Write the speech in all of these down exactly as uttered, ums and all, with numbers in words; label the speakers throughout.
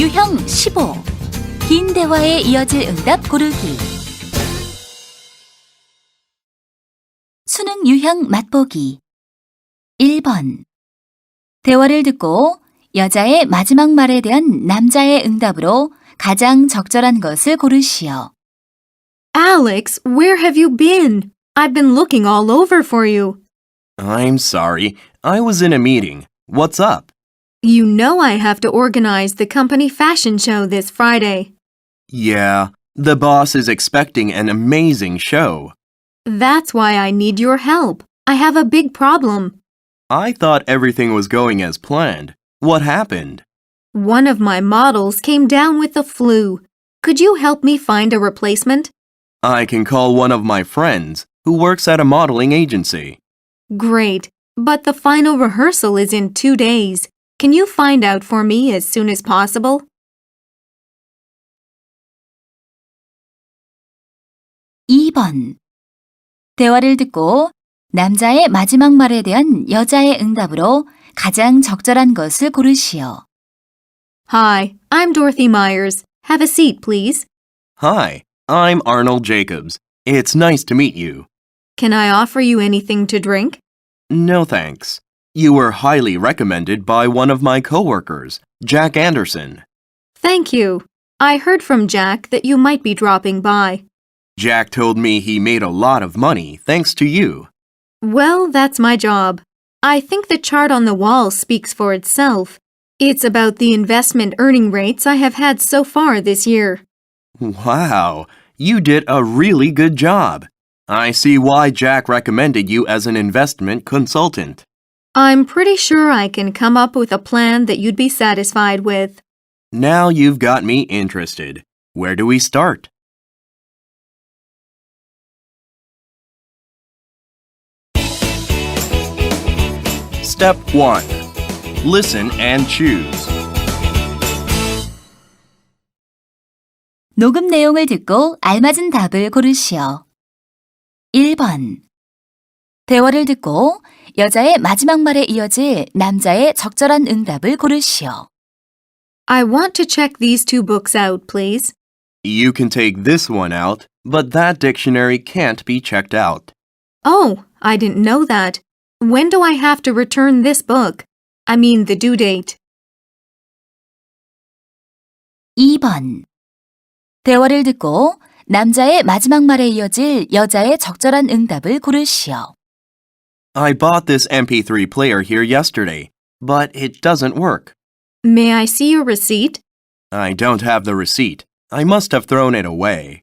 Speaker 1: 유형 십오. 긴 대화에 이어질 응답 고르기. 수능 유형 맛보기. 일 번. 대화를 듣고 여자의 마지막 말에 대한 남자의 응답으로 가장 적절한 것을 고르시오.
Speaker 2: Alex, where have you been? I've been looking all over for you.
Speaker 3: I'm sorry. I was in a meeting. What's up?
Speaker 2: You know I have to organize the company fashion show this Friday.
Speaker 3: Yeah, the boss is expecting an amazing show.
Speaker 2: That's why I need your help. I have a big problem.
Speaker 3: I thought everything was going as planned. What happened?
Speaker 2: One of my models came down with the flu. Could you help me find a replacement?
Speaker 3: I can call one of my friends who works at a modeling agency.
Speaker 2: Great, but the final rehearsal is in two days. Can you find out for me as soon as possible?
Speaker 1: 이 번. 대화를 듣고 남자의 마지막 말에 대한 여자의 응답으로 가장 적절한 것을 고르시오.
Speaker 2: Hi, I'm Dorothy Myers. Have a seat, please.
Speaker 3: Hi, I'm Arnold Jacobs. It's nice to meet you.
Speaker 2: Can I offer you anything to drink?
Speaker 3: No thanks. You were highly recommended by one of my coworkers, Jack Anderson.
Speaker 2: Thank you. I heard from Jack that you might be dropping by.
Speaker 3: Jack told me he made a lot of money thanks to you.
Speaker 2: Well, that's my job. I think the chart on the wall speaks for itself. It's about the investment earning rates I have had so far this year.
Speaker 3: Wow, you did a really good job. I see why Jack recommended you as an investment consultant.
Speaker 2: I'm pretty sure I can come up with a plan that you'd be satisfied with.
Speaker 3: Now you've got me interested. Where do we start? Step one. Listen and choose.
Speaker 1: 녹음 내용을 듣고 알맞은 답을 고르시오. 일 번. 대화를 듣고 여자의 마지막 말에 이어질 남자의 적절한 응답을 고르시오.
Speaker 2: I want to check these two books out, please.
Speaker 3: You can take this one out, but that dictionary can't be checked out.
Speaker 2: Oh, I didn't know that. When do I have to return this book? I mean the due date.
Speaker 1: 이 번. 대화를 듣고 남자의 마지막 말에 이어질 여자의 적절한 응답을 고르시오.
Speaker 3: I bought this M P three player here yesterday, but it doesn't work.
Speaker 2: May I see your receipt?
Speaker 3: I don't have the receipt. I must have thrown it away.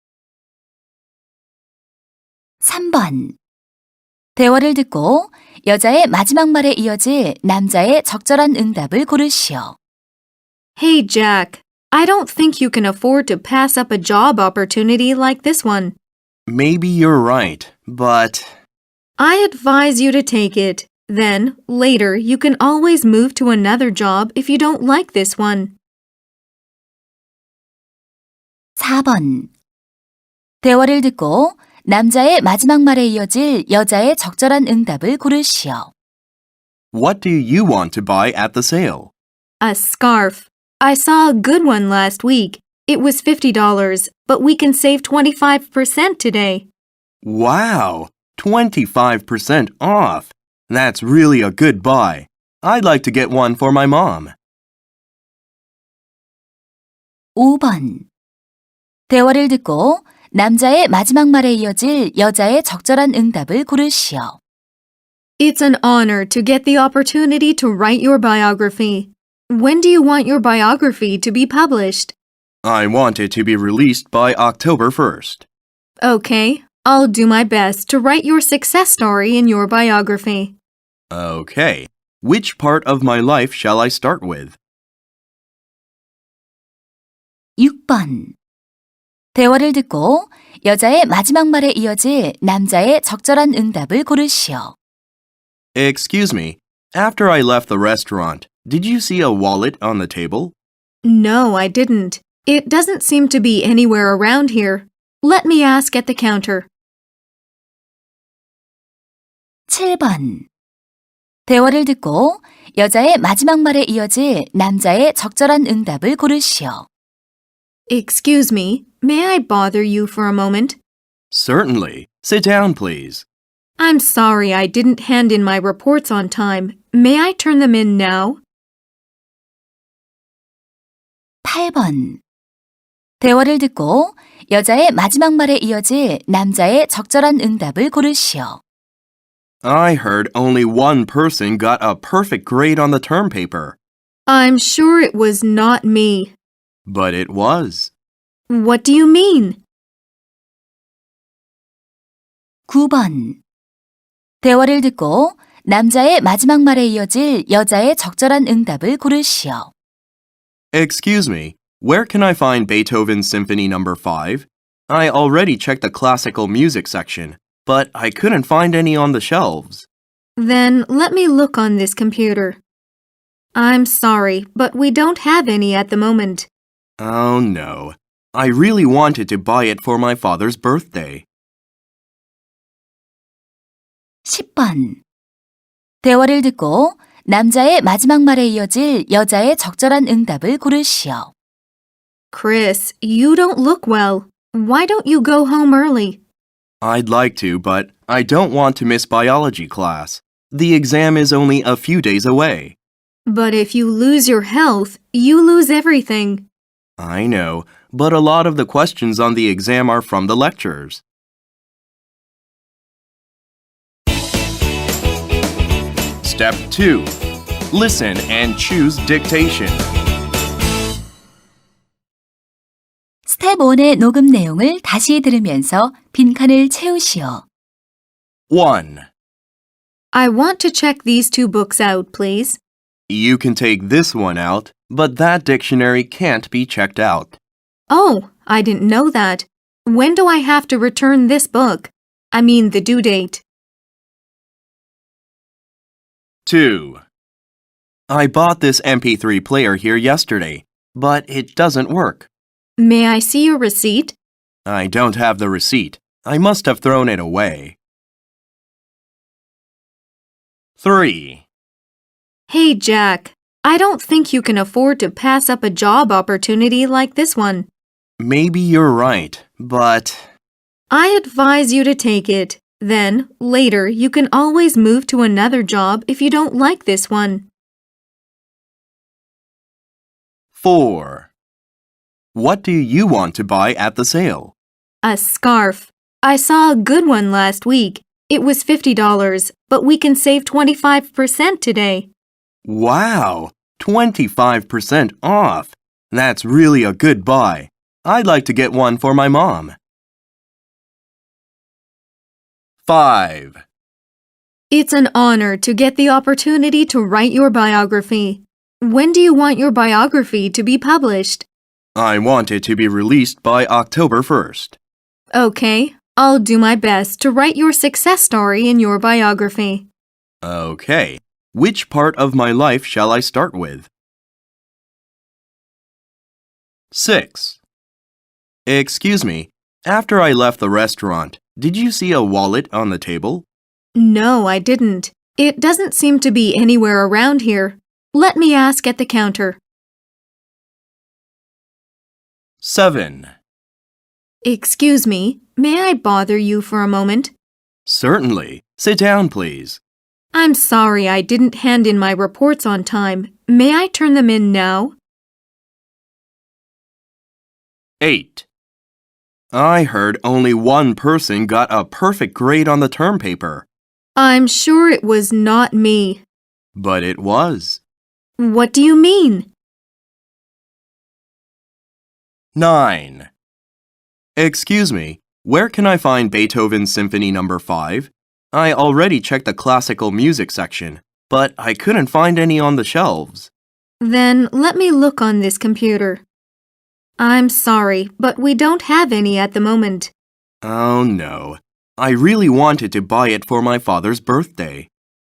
Speaker 1: 삼 번. 대화를 듣고 여자의 마지막 말에 이어질 남자의 적절한 응답을 고르시오.
Speaker 2: Hey, Jack. I don't think you can afford to pass up a job opportunity like this one.
Speaker 3: Maybe you're right, but...
Speaker 2: I advise you to take it. Then, later, you can always move to another job if you don't like this one.
Speaker 1: 사 번. 대화를 듣고 남자의 마지막 말에 이어질 여자의 적절한 응답을 고르시오.
Speaker 3: What do you want to buy at the sale?
Speaker 2: A scarf. I saw a good one last week. It was fifty dollars, but we can save twenty-five percent today.
Speaker 3: Wow! twenty-five percent off! That's really a good buy. I'd like to get one for my mom.
Speaker 1: 오 번. 대화를 듣고 남자의 마지막 말에 이어질 여자의 적절한 응답을 고르시오.
Speaker 2: It's an honor to get the opportunity to write your biography. When do you want your biography to be published?
Speaker 3: I want it to be released by October first.
Speaker 2: Okay, I'll do my best to write your success story in your biography.
Speaker 3: Okay. Which part of my life shall I start with?
Speaker 1: 육 번. 대화를 듣고 여자의 마지막 말에 이어질 남자의 적절한 응답을 고르시오.
Speaker 3: Excuse me. After I left the restaurant, did you see a wallet on the table?
Speaker 2: No, I didn't. It doesn't seem to be anywhere around here. Let me ask at the counter.
Speaker 1: 칠 번. 대화를 듣고 여자의 마지막 말에 이어질 남자의 적절한 응답을 고르시오.
Speaker 2: Excuse me, may I bother you for a moment?
Speaker 3: Certainly. Sit down, please.
Speaker 2: I'm sorry I didn't hand in my reports on time. May I turn them in now?
Speaker 1: 팔 번. 대화를 듣고 여자의 마지막 말에 이어질 남자의 적절한 응답을 고르시오.
Speaker 3: I heard only one person got a perfect grade on the term paper,
Speaker 2: I'm sure it was not me.
Speaker 3: but it was.
Speaker 2: What do you mean?
Speaker 1: 구 번. 대화를 듣고 남자의 마지막 말에 이어질 여자의 적절한 응답을 고르시오.
Speaker 3: Excuse me, where can I find Beethoven's Symphony Number five? I already checked the classical music section, but I couldn't find any on the shelves.
Speaker 2: Then let me look on this computer. I'm sorry, but we don't have any at the moment.
Speaker 3: Oh no, I really wanted to buy it for my father's birthday.
Speaker 1: 십 번. 대화를 듣고 남자의 마지막 말에 이어질 여자의 적절한 응답을 고르시오.
Speaker 2: Chris, you don't look well. Why don't you go home early?
Speaker 3: I'd like to, but I don't want to miss biology class. The exam is only a few days away.
Speaker 2: But if you lose your health, you lose everything.
Speaker 3: I know, but a lot of the questions on the exam are from the lectures. Step two. Listen and choose dictation.
Speaker 1: 스텝 일의 녹음 내용을 다시 들으면서 빈칸을 채우시오.
Speaker 3: one.
Speaker 2: I want to check these two books out, please.
Speaker 3: You can take this one out, but that dictionary can't be checked out.
Speaker 2: Oh, I didn't know that. When do I have to return this book? I mean the due date.
Speaker 3: two. I bought this M P three player here yesterday, but it doesn't work.
Speaker 2: May I see your receipt?
Speaker 3: I don't have the receipt. I must have thrown it away. three.
Speaker 2: Hey, Jack. I don't think you can afford to pass up a job opportunity like this one.
Speaker 3: Maybe you're right, but
Speaker 2: I advise you to take it. Then, later, you can always move to another job if you don't like this one.
Speaker 3: four. What do you want to buy at the sale?
Speaker 2: A scarf. I saw a good one last week. It was fifty dollars, but we can save twenty-five percent today.
Speaker 3: Wow, twenty-five percent off. That's really a good buy. I'd like to get one for my mom. five.
Speaker 2: It's an honor to get the opportunity to write your biography. When do you want your biography to be published?
Speaker 3: I want it to be released by October first.
Speaker 2: Okay, I'll do my best to write your success story in your biography.
Speaker 3: Okay, which part of my life shall I start with? six. Excuse me, after I left the restaurant, did you see a wallet on the table?
Speaker 2: No, I didn't. It doesn't seem to be anywhere around here. Let me ask at the counter.
Speaker 3: seven.
Speaker 2: Excuse me, may I bother you for a moment?
Speaker 3: Certainly. Sit down, please.
Speaker 2: I'm sorry I didn't hand in my reports on time. May I turn them in now?
Speaker 3: eight. I heard only one person got a perfect grade on the term paper,
Speaker 2: I'm sure it was not me.
Speaker 3: but it was.
Speaker 2: What do you mean?
Speaker 3: nine. Excuse me, where can I find Beethoven's Symphony Number five? I already checked the classical music section, but I couldn't find any on the shelves.
Speaker 2: Then let me look on this computer. I'm sorry, but we don't have any at the moment.
Speaker 3: Oh no, I really wanted to buy it for my father's birthday.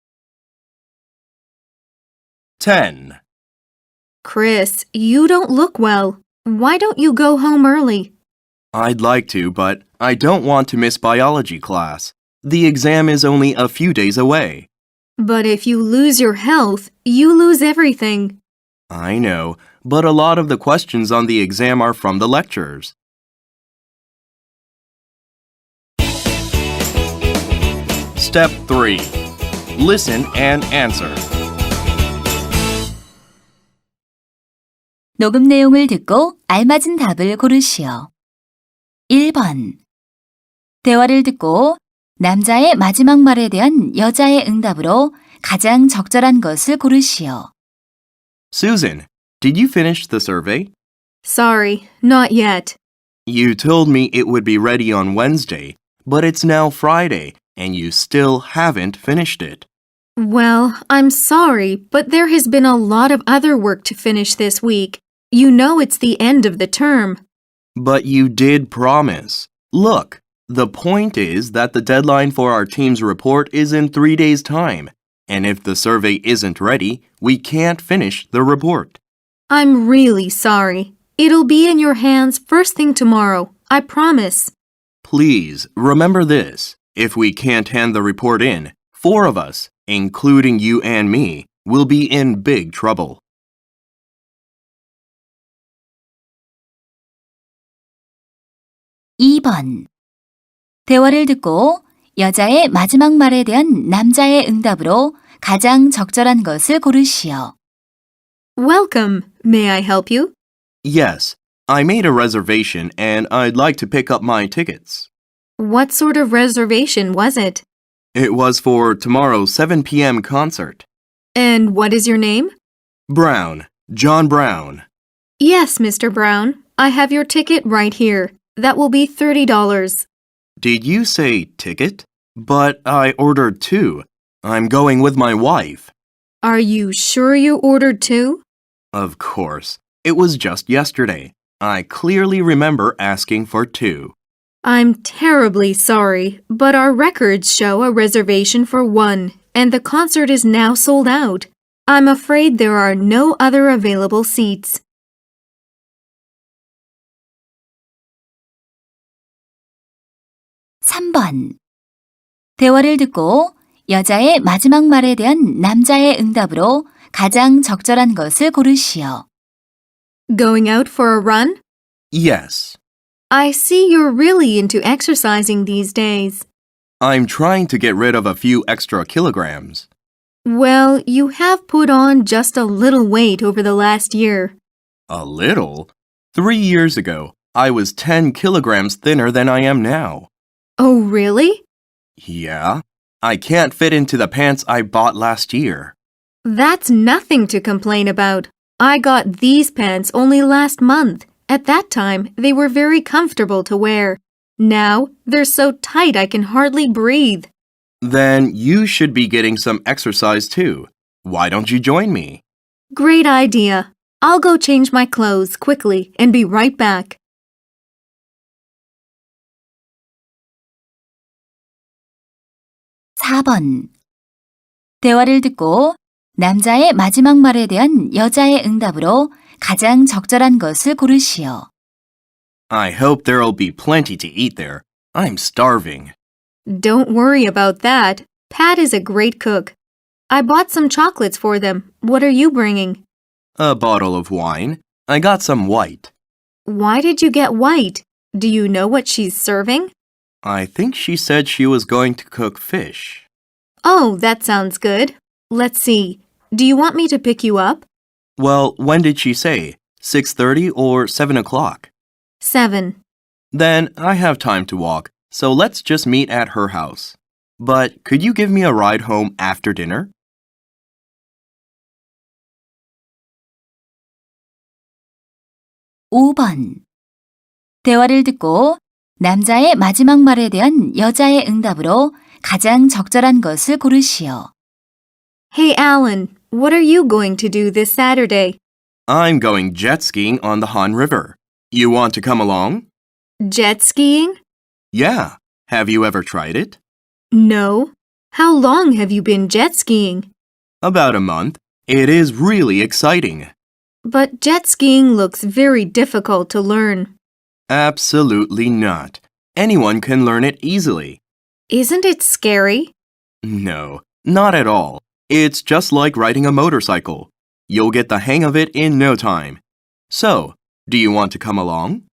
Speaker 3: ten.
Speaker 2: Chris, you don't look well. Why don't you go home early?
Speaker 3: I'd like to, but I don't want to miss biology class. The exam is only a few days away.
Speaker 2: But if you lose your health, you lose everything.
Speaker 3: I know, but a lot of the questions on the exam are from the lectures. Step three. Listen and answer.
Speaker 1: 녹음 내용을 듣고 알맞은 답을 고르시오. 일 번. 대화를 듣고 남자의 마지막 말에 대한 여자의 응답으로 가장 적절한 것을 고르시오.
Speaker 3: Susan, did you finish the survey?
Speaker 2: Sorry, not yet.
Speaker 3: You told me it would be ready on Wednesday, but it's now Friday, and you still haven't finished it.
Speaker 2: Well, I'm sorry, but there has been a lot of other work to finish this week. You know it's the end of the term.
Speaker 3: But you did promise. Look, the point is that the deadline for our team's report is in three days' time, and if the survey isn't ready, we can't finish the report.
Speaker 2: I'm really sorry. It'll be in your hands first thing tomorrow. I promise.
Speaker 3: Please, remember this. If we can't hand the report in, four of us, including you and me, will be in big trouble.
Speaker 1: 이 번. 대화를 듣고 여자의 마지막 말에 대한 남자의 응답으로 가장 적절한 것을 고르시오.
Speaker 2: Welcome. May I help you?
Speaker 3: Yes, I made a reservation and I'd like to pick up my tickets.
Speaker 2: What sort of reservation was it?
Speaker 3: It was for tomorrow's seven p.m. concert.
Speaker 2: And what is your name?
Speaker 3: Brown, John Brown.
Speaker 2: Yes, Mister Brown. I have your ticket right here. That will be thirty dollars.
Speaker 3: Did you say ticket? But I ordered two. I'm going with my wife.
Speaker 2: Are you sure you ordered two?
Speaker 3: Of course. It was just yesterday. I clearly remember asking for two.
Speaker 2: I'm terribly sorry, but our records show a reservation for one, and the concert is now sold out. I'm afraid there are no other available seats.
Speaker 1: 삼 번. 대화를 듣고 여자의 마지막 말에 대한 남자의 응답으로 가장 적절한 것을 고르시오.
Speaker 2: Going out for a run?
Speaker 3: Yes.
Speaker 2: I see you're really into exercising these days.
Speaker 3: I'm trying to get rid of a few extra kilograms.
Speaker 2: Well, you have put on just a little weight over the last year.
Speaker 3: A little? Three years ago, I was ten kilograms thinner than I am now.
Speaker 2: Oh, really?
Speaker 3: Yeah? I can't fit into the pants I bought last year.
Speaker 2: That's nothing to complain about. I got these pants only last month. At that time, they were very comfortable to wear. Now, they're so tight I can hardly breathe.
Speaker 3: Then you should be getting some exercise too. Why don't you join me?
Speaker 2: Great idea. I'll go change my clothes quickly and be right back.
Speaker 1: 사 번. 대화를 듣고 남자의 마지막 말에 대한 여자의 응답으로 가장 적절한 것을 고르시오.
Speaker 3: I hope there'll be plenty to eat there. I'm starving.
Speaker 2: Don't worry about that. Pat is a great cook. I bought some chocolates for them. What are you bringing?
Speaker 3: A bottle of wine. I got some white.
Speaker 2: Why did you get white? Do you know what she's serving?
Speaker 3: I think she said she was going to cook fish.
Speaker 2: Oh, that sounds good. Let's see. Do you want me to pick you up?
Speaker 3: Well, when did she say? six thirty or seven o'clock?
Speaker 2: Seven.
Speaker 3: Then I have time to walk, so let's just meet at her house. But could you give me a ride home after dinner?
Speaker 1: 오 번. 대화를 듣고 남자의 마지막 말에 대한 여자의 응답으로 가장 적절한 것을 고르시오.
Speaker 2: Hey, Alan, what are you going to do this Saturday?
Speaker 3: I'm going jet skiing on the Han River. You want to come along?
Speaker 2: Jet skiing?
Speaker 3: Yeah. Have you ever tried it?
Speaker 2: No. How long have you been jet skiing?
Speaker 3: About a month. It is really exciting.
Speaker 2: But jet skiing looks very difficult to learn.
Speaker 3: Absolutely not. Anyone can learn it easily.
Speaker 2: Isn't it scary?
Speaker 3: No, Not at all. It's just like riding a motorcycle. You'll get the hang of it in no time. So, do you want to come along?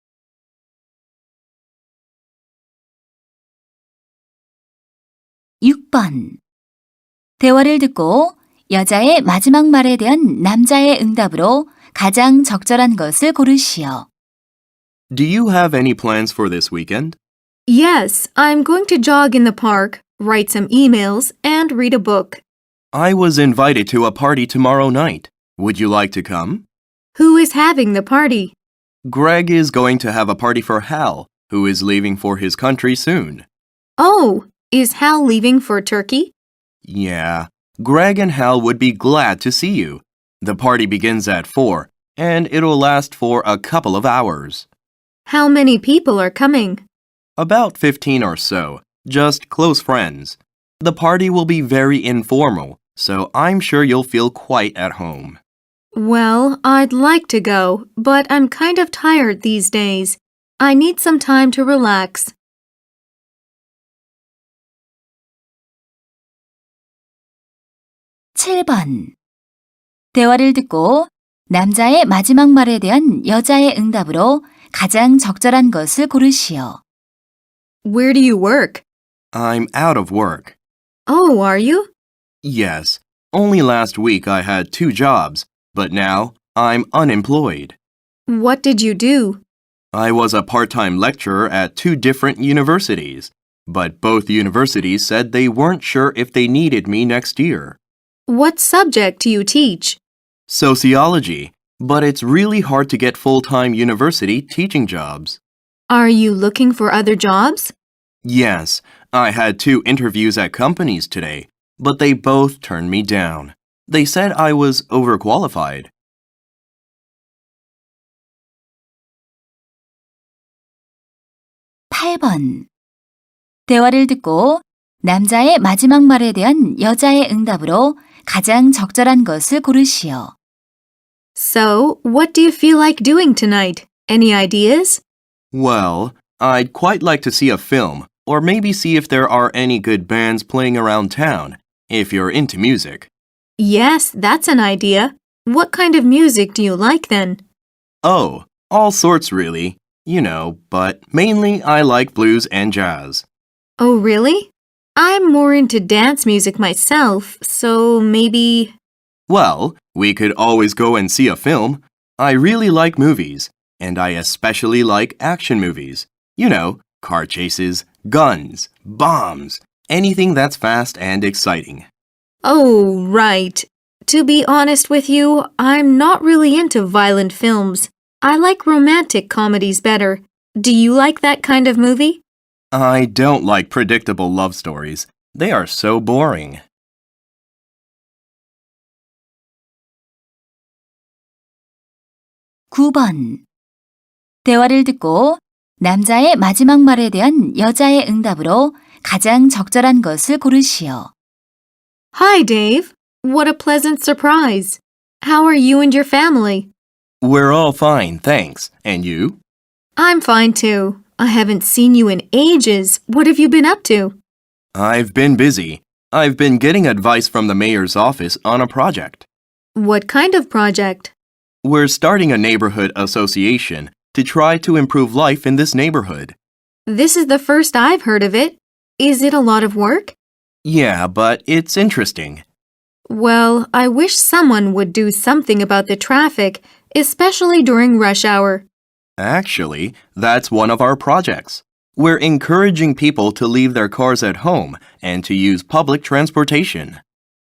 Speaker 1: 육 번. 대화를 듣고 여자의 마지막 말에 대한 남자의 응답으로 가장 적절한 것을 고르시오.
Speaker 3: Do you have any plans for this weekend?
Speaker 2: Yes, I'm going to jog in the park, write some emails, and read a book.
Speaker 3: I was invited to a party tomorrow night. Would you like to come?
Speaker 2: Who is having the party?
Speaker 3: Greg is going to have a party for Hal, who is leaving for his country soon.
Speaker 2: Oh, is Hal leaving for Turkey?
Speaker 3: Yeah, Greg and Hal would be glad to see you. The party begins at four, and it'll last for a couple of hours.
Speaker 2: How many people are coming?
Speaker 3: About fifteen or so, just close friends. The party will be very informal, so I'm sure you'll feel quite at home.
Speaker 2: Well, I'd like to go, but I'm kind of tired these days. I need some time to relax.
Speaker 1: 칠 번. 대화를 듣고 남자의 마지막 말에 대한 여자의 응답으로 가장 적절한 것을 고르시오.
Speaker 2: Where do you work?
Speaker 3: I'm out of work.
Speaker 2: Oh, are you?
Speaker 3: Yes, only last week I had two jobs, but now I'm unemployed.
Speaker 2: What did you do?
Speaker 3: I was a part-time lecturer at two different universities, but both universities said they weren't sure if they needed me next year.
Speaker 2: What subject do you teach?
Speaker 3: Sociology, but it's really hard to get full-time university teaching jobs.
Speaker 2: Are you looking for other jobs?
Speaker 3: Yes, I had two interviews at companies today, but they both turned me down. They said I was overqualified.
Speaker 1: 팔 번. 대화를 듣고 남자의 마지막 말에 대한 여자의 응답으로 가장 적절한 것을 고르시오.
Speaker 2: So, what do you feel like doing tonight? Any ideas?
Speaker 3: Well, I'd quite like to see a film, or maybe see if there are any good bands playing around town, if you're into music.
Speaker 2: Yes, that's an idea. What kind of music do you like then?
Speaker 3: Oh, all sorts really, you know, but mainly I like blues and jazz.
Speaker 2: Oh, really? I'm more into dance music myself, so maybe...
Speaker 3: Well, we could always go and see a film. I really like movies, and I especially like action movies. You know, car chases, guns, bombs, anything that's fast and exciting.
Speaker 2: Oh, right. To be honest with you, I'm not really into violent films. I like romantic comedies better. Do you like that kind of movie?
Speaker 3: I don't like predictable love stories. They are so boring.
Speaker 1: 구 번. 대화를 듣고 남자의 마지막 말에 대한 여자의 응답으로 가장 적절한 것을 고르시오.
Speaker 2: Hi, Dave. What a pleasant surprise. How are you and your family?
Speaker 3: We're all fine, thanks. And you?
Speaker 2: I'm fine too. I haven't seen you in ages. What have you been up to?
Speaker 3: I've been busy. I've been getting advice from the mayor's office on a project.
Speaker 2: What kind of project?
Speaker 3: We're starting a neighborhood association to try to improve life in this neighborhood.
Speaker 2: This is the first I've heard of it. Is it a lot of work?
Speaker 3: Yeah, but it's interesting.
Speaker 2: Well, I wish someone would do something about the traffic, especially during rush hour.
Speaker 3: Actually, that's one of our projects. We're encouraging people to leave their cars at home and to use public transportation.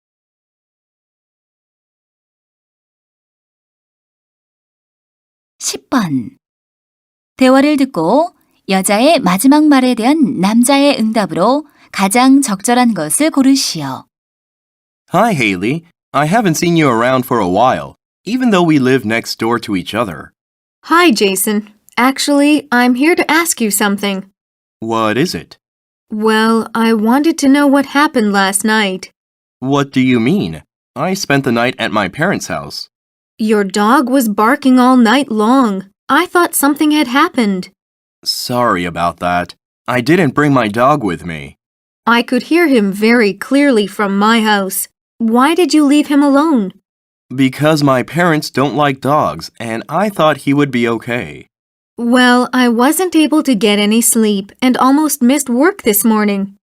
Speaker 1: 십 번. 대화를 듣고 여자의 마지막 말에 대한 남자의 응답으로 가장 적절한 것을 고르시오.
Speaker 3: Hi, Haley. I haven't seen you around for a while, even though we live next door to each other.
Speaker 2: Hi, Jason. Actually, I'm here to ask you something.
Speaker 3: What is it?
Speaker 2: Well, I wanted to know what happened last night.
Speaker 3: What do you mean? I spent the night at my parents' house.
Speaker 2: Your dog was barking all night long. I thought something had happened.
Speaker 3: Sorry about that. I didn't bring my dog with me.
Speaker 2: I could hear him very clearly from my house. Why did you leave him alone?
Speaker 3: Because my parents don't like dogs, and I thought he would be okay.
Speaker 2: Well, I wasn't able to get any sleep and almost missed work this morning.